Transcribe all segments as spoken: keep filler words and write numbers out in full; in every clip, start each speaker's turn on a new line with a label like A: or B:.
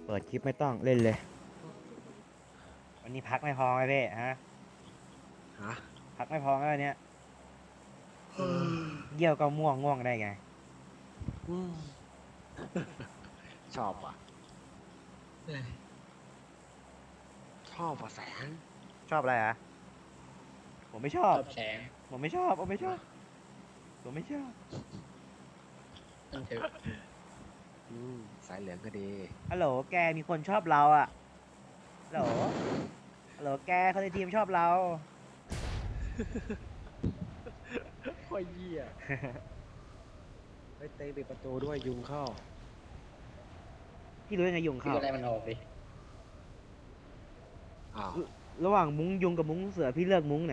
A: เปิดคลิปไม่ต้องเล่นเลยวันนี้พักไม่พอไหมพี่ฮะ
B: ฮะ
A: พักไม่พอไหมวันเนี้ยเยี่ยวก็ม่วงง่วงได้ไง
B: อืมชอบว่ะชอบว่ะแสง
A: ชอบอะไรอ่ะผมไม่ชอบ
C: ชอบแสง
A: ผมไม่ชอบผมไม่ชอบผมไม่ชอบ
C: มันเถอะ
B: อืมสายเหลืองก็ดี
A: ฮัลโหลแกมีคนชอบเราอ่ะฮัลโหลฮัลโหลแกเขาในทีมชอบเรา
B: โอ้ยเหี้ยเฮ้ยเตะปิดประตูด้วยยุงเข้า
A: พี่รู้ยังไงยุง
C: พี่
A: เข้า
C: ก็ได้มันออกดิ
B: อ้าว
A: ระหว่างมุ้งยุงกับมุ้งเสือพี่เลือกมุ้งไหน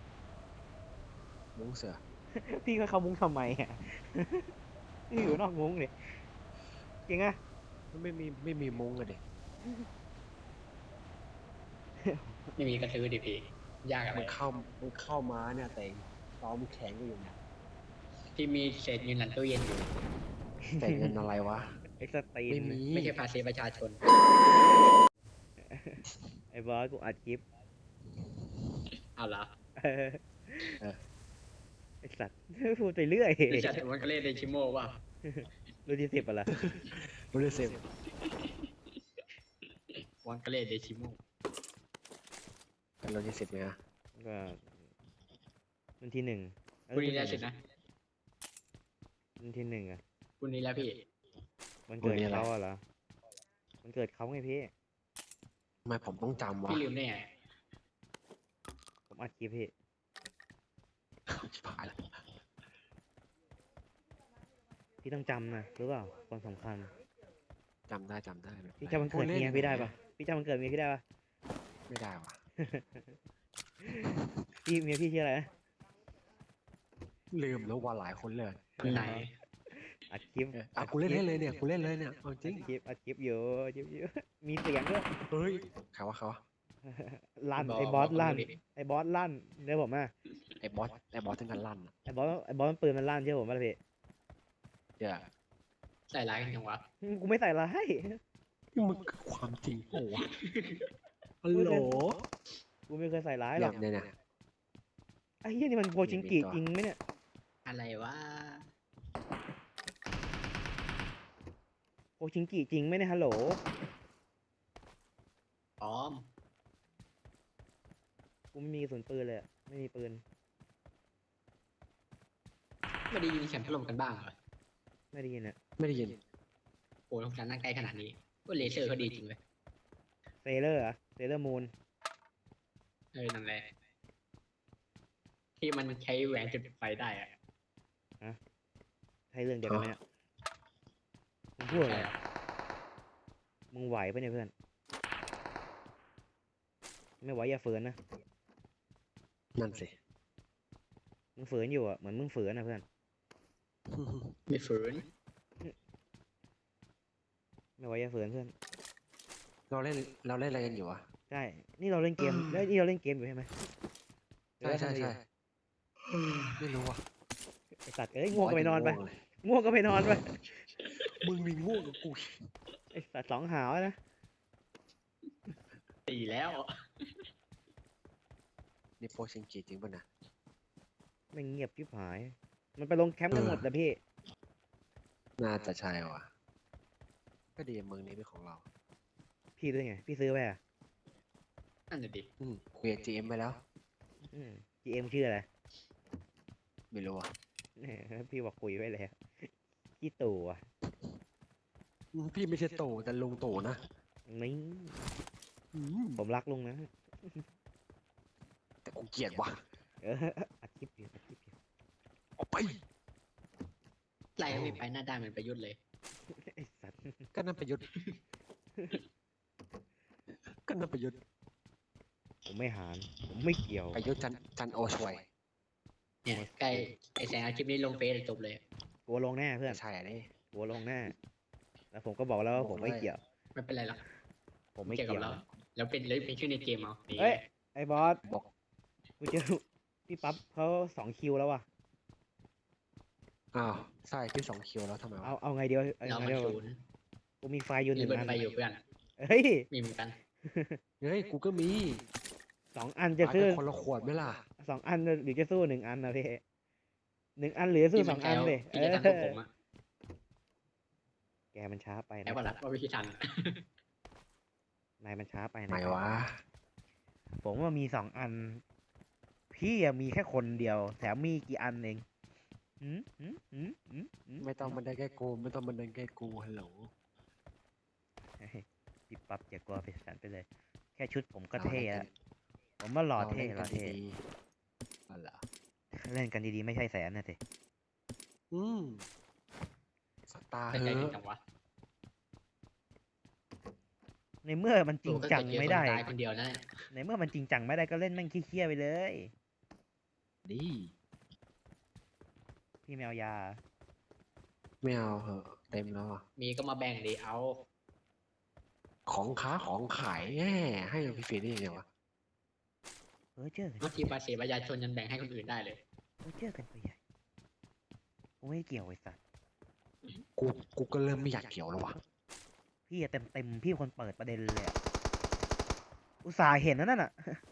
B: มุ้งเสือ
A: พี่ก็เข้ามุ้งทำไมอ่ะ พี่อยู่นอกมุ้งเลยจริงอ่ะ
B: มันไม่มีไม่มีมุ้งอะดิ
C: ไม่มีกระทือดิพี่ยากอะไร
B: มันเข้ามันเข้ามาเนี่ยแต่ตอมแข็งก็อยู่เนี่ย
C: ที่มีเศษเงินหลังตู้เย็นอยู่
B: แต่เงินอะไรวะ
A: ไอ้สตีน
B: ไม่มี
C: ไม่ใช่ภาษีประชาชน
A: ไอ้บอสกูอัดคลิป
C: เอาละ
A: เออไอ้สัตว์ พูดไปเรื่อย
C: ดิฉันมันก็เล่นในชิโม่ว่า
A: รุ่นที่สิบอะล่ะ
B: รู้ได้เซฟ
C: วันก็เล่นในชิโม่
B: เป็นรถยี่สิบไหมฮะ
A: ก็รุ่นที่หนึ่งเออ
C: พรุ่งนี้แล้วสินะ
A: รุ่นที่หนึ่งอะ
C: พรุ่งนี้แล้วพี่
A: มันเกิดเขาอะเหรอมันเกิดเขาไงพี่
B: ทำไมผมต้องจำวะ
C: พี่ลืมได้ไง
A: ผมอัดคลิปพี่
B: ชิบหายแล้ว
A: พี่ต้องจำนะรู้เปล่าคนสำคัญ
B: จำได้จำได้
A: พี่จำมันเกิดเมียพี่ได้ปะพี่จำมันเกิดเมียพี่ได้ปะ
B: ไม่ได้วะ
A: พี่เมียพี่ชื่ออะไรนะ
B: ลืมแล้วว่าหลายคนเลย
C: ไหน
A: อัดคลิป
B: เอออ่ะกูเล่นเล่นเลยเนี่ยกูเล่นเลยเนี่ยเอาจริ
A: อั
B: ง
A: ดคลิปอัดคลิปอยู่อัดคลิปอยู่ มีเสียงด้วย
B: เฮ้ยใครวะใครวะ
A: ลั่น
C: บอก
A: ไอ้บอส
C: บอก
A: ลั่น
C: ดิ
A: ไอ้บอสลั่นเดี๋ยวผมอ่ะ
B: ไอ้บอสไอ้บอสถึงกันลั่นอะ
A: ไอ้บอสไอ้บอสมันปืนมันลั่นเชื่อผมป่ะล่ะพี่
B: เดี๋ยว
C: ใส่ร้ายกันยังวะ
A: กูไม่ใส่ร้าย
B: นี่มันคือความจริงโอ้วะฮัลโหล
A: กูไม่เคยใส่ร้ายหร
B: เรี
A: อย ก
B: บเนี่ยเนี่ย
A: ไอ้เหี้ยนี่มันโพชิงกิจริงไหมเนี่ย
C: อะไรวะ
A: โพชิงกิจริงไหมเนี่ยฮัลโหล
C: พร้อม
A: กูไม่มีกระสุนปืนเลยอะไม่มีปืน
C: ไม่ได้ยินเสียงถล่มกันบ้างเหรอ
A: ไม่ได้ยินอะ
B: ไม่ได้ยิน
C: โอ้ยของฉันนั่งใกล้ขนาดนี้ว่าเลเซอร์เขาดีจริงเลย
A: เซเลอร์อะเซเลอร์มูน
C: เออนั่นแหละที่มันใช้แหวนจุดไฟได้อะ
A: ใช่เรื่องเดียวกันไหมเนี่ยมึงพูดอะไร
C: ใช่อะ
A: มึงไหวปะเนี่ยเพื่อน ไม่ไหวอย่าฝืนนะ
B: นั่นสิ
A: มึงฝืนอยู่อะเหมือนมึงฝืนนะเพื่อน
C: ไม่ฝืน
A: ไม่ไหวอย่าฝืนเพื่อน
B: เราเล่นเราเล่นอะไรกันอยู่อะ
A: ใช่ นี่เราเล่นเกมแล้วนี่เราเล่นเกมอยู่ใช่ไหม
B: ใช่ใช่
A: หรือ
B: ใช่
A: ว่าทำอะไรอยู่
B: ไม่รู้อ่ะ
A: ไอสัตว์เอ้ยง่วงก็ไปนอนไป
B: ง่วงเลย
A: ง่วงก็ไปนอนไป
B: มึงมีง่วงกับกู
A: ไอสัตว์สองหาวนะ
C: ตีแล้ว
B: นี่โพชิงกีจริงป่ะนะ
A: ไม่งเงียบชิบหาย มันไปลงแคมป์กันหมดนะพี่
B: น่าจะใช่ว่ะก็ดีเมืองนี้เป็นของเรา
A: พี่ด้วยไง พี่ซื้อไปอ่ะ
C: นั่นน่ะดิ
B: อืมคุยกับจีเอ็มไปแล้ว
A: อืม จี เอ็ม ชื่ออะไร
B: ไม่รู้อ่ะ
A: แหมพี่บอกคุยไว้แล้วพี่ตู่อ่ะ
B: อืมพี่ไม่ใช่โตแต่ลุงโตนะ
A: นี่
B: อืม
A: ผมรักลุงนะ
B: แต่กูเกลียดว่ะ
A: เอออัดคลิปอยู่อัดคลิปอยู่
B: ออกไป
C: ไล่ไม่ไปหน้าด้านเหมือนประยุทธ์เลย
A: ไอสัตว์
B: ก็นั่นประยุทธ์ ก็นั่นประยุทธ์
A: ผมไม่หานผมไม่เกี่ยว
B: ประยุทธ์จันจันโอชวย
C: เนี่ยใกล้ไอ้แสงเอาคลิปนี้ลงเฟซจบเลย
A: กลัวลงแน่เพื่อน
B: ใช่อันนี้
A: กลัวลงแน่แล้วผมก็บอกแล้วว่าผมไม่เกี่ยว
C: ไม่เป็นไรหรอก
A: ผมไม่
C: เกี่ยวกั
A: เกี่
C: บ
A: ยว
C: เราแล้วเป็นเลยเป็นชื่อในเกมเอานี่
A: เอ้ย ไอ้บอส
B: บอก
A: กูเจอพี่ปั๊บเขาสองคิวแล้วว่ะ
B: อ้าวใช่พี่สองคิวแล้วทำไมวะ
A: เอาเอาไงเดียวเอา
C: เรา
A: ไง
C: มา
A: เดียว
C: ศูนย์
A: กูมีไฟล์อยู่ห
C: มี
A: นึ่ง
C: เบิร์
A: อั
C: น
A: น
C: ไปอยู่เพื่อน
A: เฮ้ย
C: มีเหมือนกัน
B: เฮ้ยกูก็มี
A: สองอันจะ
B: อาจ
A: ซื้อ
B: จะคนละขวดไหมล่ะ
A: สองอันหรือจะสู้หนึ่งอันนะพี่หนึ่งอันหรือสู้
C: ที่
A: ส
C: มั
A: อน ง
C: แค
A: อัน
C: ล้ว
A: เลย
C: ที่จะทำกับผมอะ
A: แกมันช้าไป
C: แล้
A: นะ
C: วว่าละว่าวิธีทัน
A: นายมันช้าไป
B: ไหน
A: นะ
B: วะ
A: ผมว่ามีสองอัน พี่อะมีแค่คนเดียว แถมมีกี่อันเองหืมหืมหืมหืมหื
B: ไม่ต้องมันได้แค่กูไม่ต้องมันได้แค่กูฮัลโหล
A: เฮ้ยพี่ปั๊บอย่ากลัวไปสันไปเลย แค่ชุดผมก็เท่แล้วผมว่าหล่อ
B: เรา
A: เท่
B: เล่น
A: ห
B: กั
A: ล่อน เท่
B: ดีๆอ๋อเหรอ
A: เล่นกันดีๆไม่ใช่แสนนะสิ
B: อืมสตาร์
C: แต่
B: เฮ้
C: ใจ
B: อ
C: ถึงจังวะ
A: ในเมื่อมันจริงจังไม่ได้
C: โอ้ก็เกิดเจอคนตายคนเดียวนั่นแหละ
A: ในเมื่อมันจริงจังไม่ได้ก็เล่นแม่งขี้เคี้ยไปเลย
B: ดี
A: พี่แมวยา
B: ไม่เอาเหอะเต็มแล้วอะ
C: มีก็มาแบ่งดีเอา
B: ของค้าของขายแง่ให้กับพี่เฟรนได้ยังไงวะ
A: เออเจอกัน
C: เมื่อกี้ภาษีประชาชนยังแบ่งให้คนอื่นได้เลย
A: เออเจอกันไปใหญ่กูไม่เกี่ยวไอ้สัส
B: กูกูก็เริ่มไม่อยากเกี่ยวแล้ววะ
A: พี่เต็มเต็มๆพี่เป็นคนเปิดประเด็นเลยอะอุตส่าห์เห็นนะนั่นน่ะ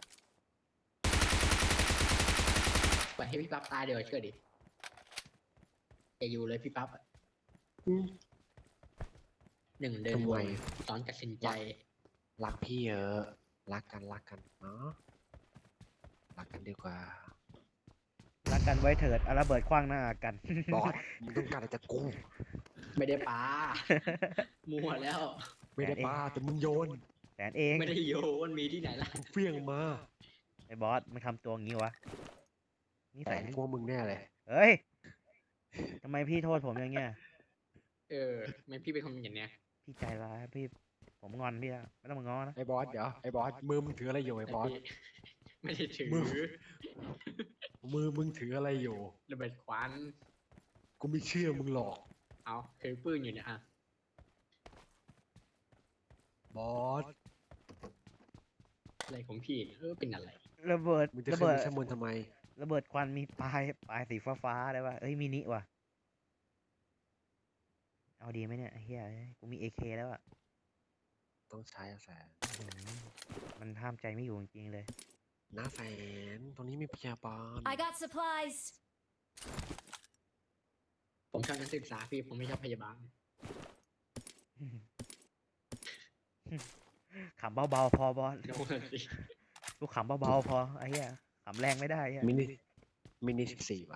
C: ปล่อยให้พี่ปั๊บตายเดี๋ยวาเชื่อดิจะอยู่เลยพี่ปั๊บอะ
B: อืม
C: หนึ่งเดิน
B: ทำ
C: ว
B: ไม
C: นสอนตัดสินใจ
B: รักพี่เยอะรักกันรักกันเนาะรักกันดีกว่า
A: รักกันไว้เถิดเอาระเบิดคว้างหน้ากัน
B: บอสมึงต้องการอะไรจากกู
C: ไม่ได้ปา มัวแล้ว
B: ไม่ได้ป้าแต่มึงโยน
A: แสนเอง
C: ไม่ได้โยนมีที่ไหนล่ะ
B: มึงเฟี้ยงมา
A: ไอ้บอสมันทำตัวงี้วะนี่
B: แต่
A: ใส่
B: พวกมึงแน่เลย
A: เฮ้ยทำไมพี่โทษผมอย่างเงี้ย
C: เออไม่พี่เป็นคนอย่างเนี้ย
A: พี่ใจร้ายพี่ ผมงอนพี่แล้วไม่ต้องมางอนะ
B: ไอ้บอสเดี๋ยวไอ้บอสมือมึงถืออะไรอยู่ไอ้บอส
C: แต่พี่ไม่ได้ถือ
B: มือ มือมึงถืออะไรอยู่
C: ระเบิดควัน
B: กูไม่เชื่อมึงหรอก
C: เอาถือปืนอยู่เนี่ยอ่ะ
B: บอส
C: อะไรของพี่เนี่ยเออเป็นอะไร
A: ระเบิด
B: มึงจะ
A: ระ
B: ขึ้น
A: เบิ
B: ไป
A: ด
B: ชั้นบนทำไม
A: ระเบิดควันมีปลายปลายสีฟ้าฟ้าๆได้ป่ะเอ้ยมินิว่ะเอาดีไหมเนี่ยไอ้เฮียเอ้ยกูมีเอเคแล้วอ่ะ
B: ต้องใช้อะแสน
A: อื้อหือมันห้ามใจไม่อยู่จริงๆเลย
B: น้าแสนตรงนี้มีพยาบาล
D: I got supplies.
C: ผมชอบนักศึกษาพี่ผมไม่ชอบพยาบาล
A: ขำเบาๆพอบอส
C: โน่นสิ
A: กูขำเบาๆพอไอ้เหี้ยขำแรงไม่ได้ไอ้เหี้ย
B: มินิมินิสิบสี่ป่ะ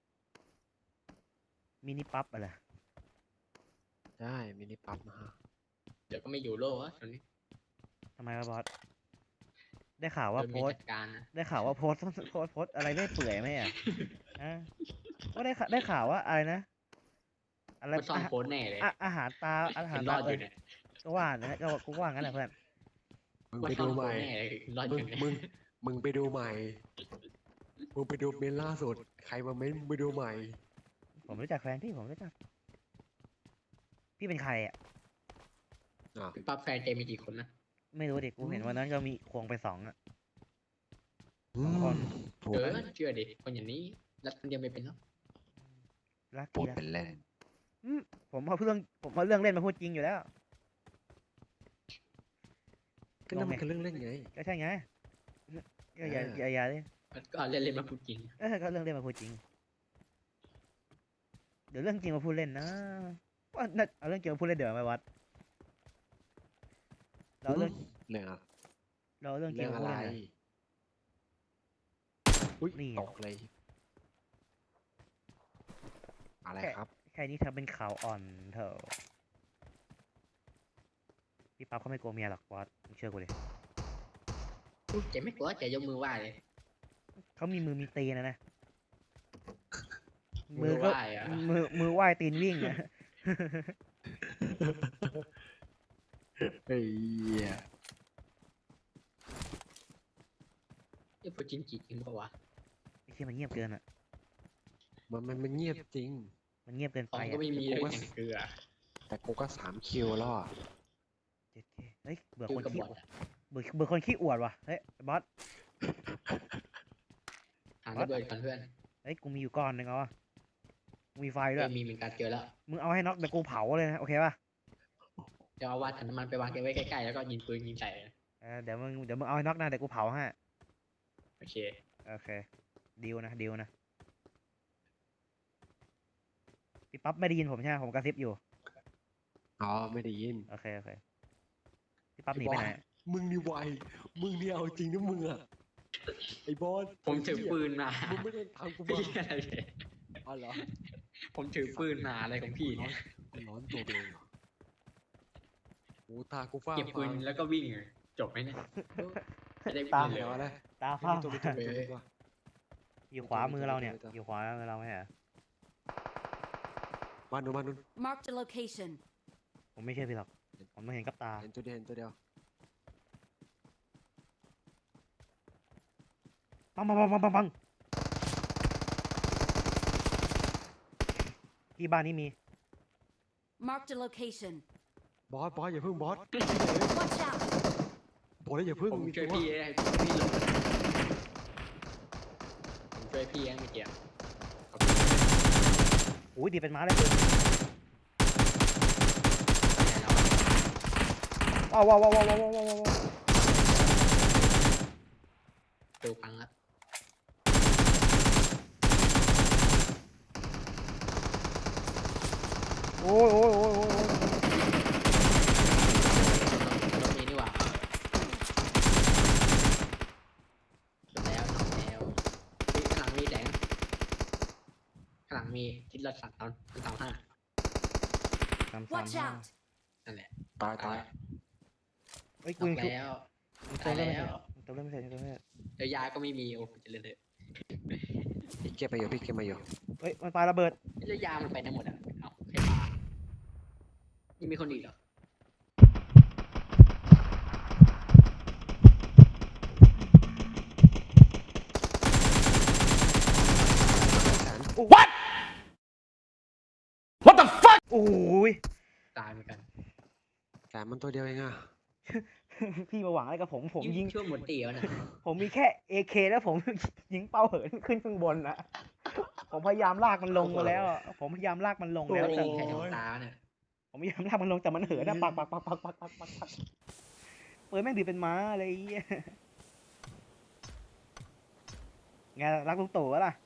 A: มินิปั๊บอะไร
B: ได้มินิปั๊บนะฮะ
C: เดี๋ยวก็ไม่อยู่โลกอะตอนนี้
A: ทำไมวะบอสได้ข่าวว่า
C: โดน
A: โพ
C: มี
A: สต์
C: จัดการนะ
A: ได้ข่าวว่าโพสต์โพสต์โพสต์อะไรไม่เปื่อยไหมอ่ะอ่ะก็ได้ข่าวได้ข่าวว่าอะไรนะอะไร
C: มันซ่อน
A: อา
C: โพสต์แน่เลย
A: อ่ะอาหารตาอาหาร
C: เห็นร
A: ตา
C: อดอ
A: เออยู่
C: เนี่ย
A: ก็ว่านะก็กูก็ว่างั้นแหละเพื่อน
B: มึง
C: ว่า
B: ไป
C: ซ่อ
B: ดู
C: นโพ
B: ให
C: ส
B: ม่
C: ต์แน่เลยรอดอ
B: มึง
C: ยู่เนี่ย
B: มึงมึงไปดูใหม่มึงไปดูเมนล่าสุดใครมาเม้นมึงไปดูใหม่
A: ผมรู้จักแฟนพี่ผมรู้จักพี่เป็นใครอ่ะ
B: อ่ะ
C: พี่ปั๊บแฟนเจมีกี่คนนะ
A: ไม่รู้ดิกูเห็นวันนั้นก็มีควงไปสองอ่ะ
B: อืม
A: คน
B: พูด
C: เออเชื่อดิคนอย่างนี้รักคนเดียวไม่เป็นหรอก
A: รัก
B: พู
A: ดี
B: ด
A: ละ
B: เป็นเล่น
A: อืมผมเอาเรื่องผมเอาเรื่องเล่นมาพูดจริงอยู่แล้ว
B: ก็นั่นมันคือเรื่องเล่นไง
A: ก็ใช่ไงก็อย่า
B: เออ
A: อ
B: อ
A: ย่าอย่าดิ
C: ก็เล่นเล่นๆมาพูดจริง
A: เออก็เรื่องเล่นมาพูดจริง เดี๋ยวเรื่องจริงมาพูดเล่นนะว่าน่าเอาเรื่องจริงมาพูดเล่นเดี๋ยวไปวัด เราเอาเรื่อง
B: เรื่องอะ
A: เราเอาเรื่องจริ
B: เรื่
A: ง
B: อง
A: มา
B: อะ
A: พูด
B: ไร
A: เล่นนะ
B: อุ้ย
A: นี่
B: ตกเลย อะไรครับ
A: แค่นี้ทำเป็นข่าวอ่อนเถอะพี่ปั๊บเขาไม่กลัวเมียหรอกบอสมึงเชื่อกูดิ
C: เจ๊ไม่กลัวเจ๊ยกมือไหว้เลย
A: เขามีมือมีตีนนะนะ
C: มื
A: มื
C: อ
A: อ
C: ไห
A: ก็
C: ว้อะ
A: มือมือไหว้ตีนวิ่งอะ
B: เฮ้ย
C: ไอ้พูดจริงจริงปะวะ
A: ไอ้เชี่ยมันเงียบเกินอ่ะ
B: มันมันมันเงียบจริง
A: มันเงียบเกิน
C: ขอ
A: ไป
C: งก็
A: อ่ะ
C: ไม่มีเลยอย่างเกลือ
B: แต่กูก็สามคิวแล้วอะ
A: เจ็ดเคเฮ้ยเบื่อ
C: คื
A: ค
C: อน กระ
A: ขี้
C: บอกอะ
A: เบื่อเบื่อคนขี้อวดว่ะเฮ้ยไอ้บอส
C: หาระเบิดกันเพื่อน
A: เฮ้ยกูมีอยู่ก้อนหนึ่งเอาวะกูมีไฟด้
C: เอ้
A: วย
C: ยมีเหมือนกันเจอแล้ว
A: มึงเอาให้น็อกเดี๋ยวกูเผาเลยนะโอเคป่ะ
C: เดี๋ยวเอาวาดถังน้ำมันไปวางเก็บไว้ใกล้ๆแล้วก็ยิงปืนยิงใส่นะ
A: เออเดี๋ยวมึงเดี๋ยวมึงเอาให้น็อกนะเดี๋ยวกูเผาให้
C: โอเค
A: โอเคดีลนะดีลนะพี่ปั๊บไม่ได้ยินผมใช่ไหมผมกระซิบอยู่
B: อ๋อไม่ได้ยิน
A: โอเคโอเคพี่ปั๊บหนีไปไหน
B: มึงนี่ไวมึงนี่เอาจริงนะมึงอะไอ้บอส
C: ผมถือปืนมา
B: มึงไม่ได้ทำกู
C: พี่
B: มา
C: อะไรเนี่ย
B: อ๋อเหรอ
C: ผมถือปืนมาอะไรของพี่เนี่ย
B: กูร้อนตัวเองโอ้ตากูฟ้า
C: เก็บปืนแล้วก็วิ่งจบไหมเนี่ยไม่ได้
A: ตา
C: วิ่งเลย
B: เดี๋ยวอะไร
A: ตา
B: ไม่
A: ฟ้า
B: มีตัวเป็นตัวเป็นตัว
A: อยู่ขวามือเราเนี่ย
B: ไม่ต้อง
A: อยู่ขวามือเราไม่ใช่เหรอ
B: มาดูมาดู
D: Marked a location.
A: ผมไม่เชื่อพี่หรอกผมไม่เห็นกับตา
B: เห็นตัวเดียวเห็นตัวเดียว
A: ปังปังปังปังปังปังที่บ้านนี้มี
D: Marked a location.
B: บอสบอสอย่าเพิ่งบอส
D: Watch out!
B: บอกแล้วอย่าเพิ่ง
C: ผม
B: มี
C: ช่วย
B: ตัว
C: พี่ได้พี่หลบผมช่วยพี่ยังไม่เกี่ยว
A: อุ้ยดีเป็นม้าเลยคือว้าวว้าวว้าวว้าวว้าวว้าวว้าว
C: ดูพังแล้ว
A: โอ้ยโอ้ยโอ้ยโอ้ยโอ้ย
C: รถมีนี่หว่าจบแล้วน้องแมวข้างหลังมีแสงข้างหลังมีทิศรถสัตว์ตอนสามห้า
A: สามสาม
D: Watch
A: ห้า
D: out!
C: นั่นแหละ
B: ตายตาย
A: เฮ้ย
C: ต
A: กูยังชุบ
C: แล้ว
A: เติมเล่นไม่เสร็จเติมเล่นไม่เสร็จเติมเล่นไม่เสร็จ
C: เดี๋ยวยาก็ไม่มีโอ้เจะเลยเถอะ
B: พี่เก็บไปอยู่พี่เก็บมาอยู่
A: เฮ้ยมันปาระเบิด
C: แล้วยามันไปไหนหมดอ่ะเอาใครปายังมีคนอีกเหรอ
B: แสน
A: What What the fuck โอ้ย
C: ตายเหมือนกัน
B: แสนมันตัวเดียวเองอะ
A: พี่มาหวังอะไรกับผมผมยิง
C: ช่วงหมดเตียวนะ
A: ผมมีแค่ เอ เค แล้วผม ยิงเป้าเหินขึ้นข้างบนนะผมพยายามลากมันลงมาแล้วอะผมพยายามลากมันลง
C: แล้
A: แล้ว ว
C: ไม่
A: แต่
C: ยิงใครโดนตาเนี่ย
A: ผมพยายามลากมันลงแต่มันเหินนะปักปักปักปักปักปักปักปักปืนแม่งดีดเป็นม้าอะไรอย่างเงี้ยไงรักลุงตู่วะล่ะ